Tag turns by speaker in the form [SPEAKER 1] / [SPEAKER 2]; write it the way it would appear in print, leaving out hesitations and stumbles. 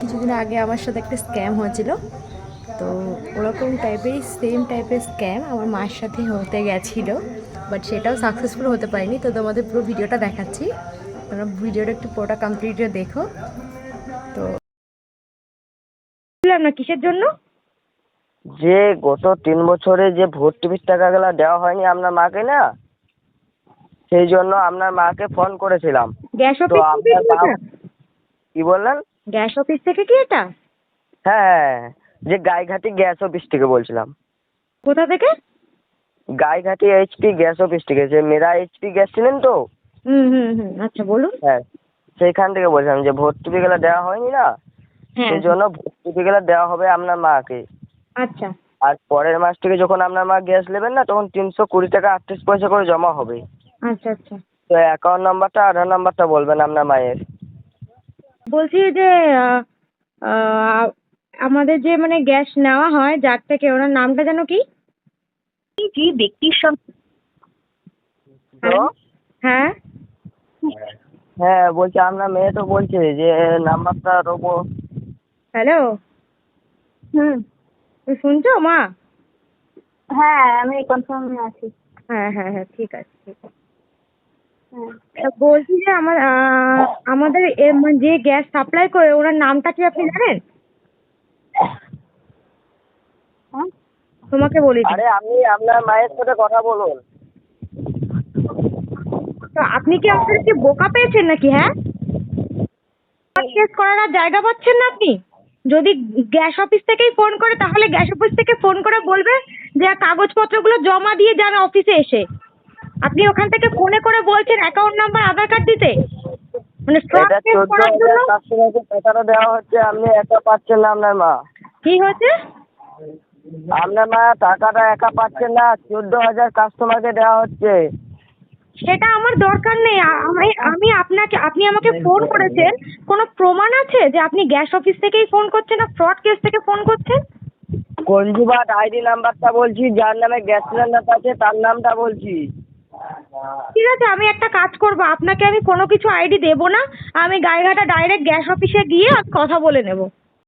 [SPEAKER 1] কিছুদিন আগে আমার সাথে একটা স্ক্যাম হয়েছিল। তো ওরকম টাইপেরই সেম টাইপের স্ক্যাম আমার মায়ের সাথে হতে গেছিলো, বাট সেটাও সাকসেসফুল হতে পারেনি। তো তোমাদের পুরো ভিডিওটা দেখাচ্ছি, তোমরা ভিডিওটা একটু পুরোটা কমপ্লিট দেখো। তো বললাম না কিসের জন্য,
[SPEAKER 2] যে গত 3 বছরে যে ভর্তুকির টাকাগুলো দেওয়া হয়নি আপনার মাকে না, সেই জন্য আপনার মাকে ফোন করেছিলাম।
[SPEAKER 1] গ্যাস
[SPEAKER 2] তো
[SPEAKER 1] অফিস থেকে
[SPEAKER 2] আপনার
[SPEAKER 1] কি
[SPEAKER 2] মা
[SPEAKER 1] এটা?
[SPEAKER 2] কি বললেন?
[SPEAKER 1] গ্যাস অফিস থেকে কি এটা?
[SPEAKER 2] হ্যাঁ, যে গাইঘাটি গ্যাস অফিস থেকে বলছিলাম।
[SPEAKER 1] কোথা থেকে?
[SPEAKER 2] গাইঘাটি এইচপি গ্যাস অফিস থেকে, যে মেরা এইচপি গ্যাস ছিলেন তো।
[SPEAKER 1] হুম হুম হুম, আচ্ছা বলুন।
[SPEAKER 2] হ্যাঁ, সেইখান থেকে বলছিলাম যে ভর্তুকিগুলো দেওয়া হয়নি না,
[SPEAKER 1] হ্যাঁ,
[SPEAKER 2] সেই জন্য ভর্তুকিগুলো দেওয়া হবে আপনার মাকে।
[SPEAKER 1] আচ্ছা
[SPEAKER 2] আর পরের মাস থেকে যখন আপনার মা গ্যাস নেবেন না, তখন 320 টাকা 38 পয়সা করে জমা হবে।
[SPEAKER 1] আচ্ছা আচ্ছা।
[SPEAKER 2] তো অ্যাকাউন্ট নাম্বারটা আধার নাম্বারটা বলবেন আপনার মায়ের।
[SPEAKER 1] বলছি যে আহ, আহ, আমাদের যে মানে গ্যাস নেওয়া হয় যার থেকে, ওনার নামটা যেন কি?
[SPEAKER 3] যে ব্যক্তির সঙ্গে
[SPEAKER 2] তো
[SPEAKER 1] হ্যাঁ,
[SPEAKER 2] হ্যাঁ, বলছি আপনার মেয়ে তো বলছে যে নাম্বারটা দেবো।
[SPEAKER 1] হ্যালো,
[SPEAKER 3] হুম,
[SPEAKER 1] তুমি শুনছো মা?
[SPEAKER 3] হ্যাঁ আমি কনফার্মে আছি।
[SPEAKER 1] হ্যাঁ হ্যাঁ হ্যাঁ, ঠিক আছে ঠিক আছে।
[SPEAKER 3] হ্যাঁ,
[SPEAKER 1] তা বলছি যে আমাদের মানে যে গ্যাস সাপ্লাই করে ওনার নামটা কি আপনি জানেন?
[SPEAKER 3] হ্যাঁ,
[SPEAKER 1] তোমাকে বলি দিই।
[SPEAKER 2] আরে আপনি আপনার মায়ের সাথে কথা বলুন।
[SPEAKER 1] তো আপনি কি আমাদেরকে বোকা পেয়েছেন নাকি? হ্যাঁ, কেস করার আর জায়গা পাচ্ছেন না আপনি? যদি গ্যাস অফিস থেকেই ফোন করে তাহলে গ্যাস অফিস থেকে ফোন করে বলবে যে কাগজপত্রগুলো জমা দিয়ে যান অফিসে এসে। আপনি ওখান থেকে ফোনে করে বলছেন অ্যাকাউন্ট নাম্বার আধার কার্ড দিতে, মানে ফ্রড
[SPEAKER 2] এটা
[SPEAKER 1] কেস করার জন্য।
[SPEAKER 2] 14,000 কাস্টমারকে টাকাটা দেওয়া হচ্ছে, আপনি একা পাচ্ছেন না আপনার মা।
[SPEAKER 1] কি হয়েছে?
[SPEAKER 2] আপনার মা টাকাটা একা পাচ্ছেন না, 14,000 কাস্টমারকে দেওয়া হচ্ছে।
[SPEAKER 1] সেটা আমার দরকার নেই। আমি আমি আপনাকে, আপনি আমাকে ফোন করেছেন, কোনো প্রমাণ আছে যে আপনি গ্যাস অফিস থেকেই ফোন করছেন না ফ্রড কেস থেকে ফোন করছেন?
[SPEAKER 2] কনজিউমার আইডি নাম্বারটা বলছি, যার নামে গ্যাস সিলিন্ডারটা আছে তার নামটা বলছি।
[SPEAKER 1] ঠিক আছে, আমি একটা কাজ করবো, আপনাকে আমি কোনো কিছু আইডি দেবো না। আমি গাইঘাটা ডাইরেক্ট গ্যাস অফিসে গিয়ে আমি কথা বলে নেবো।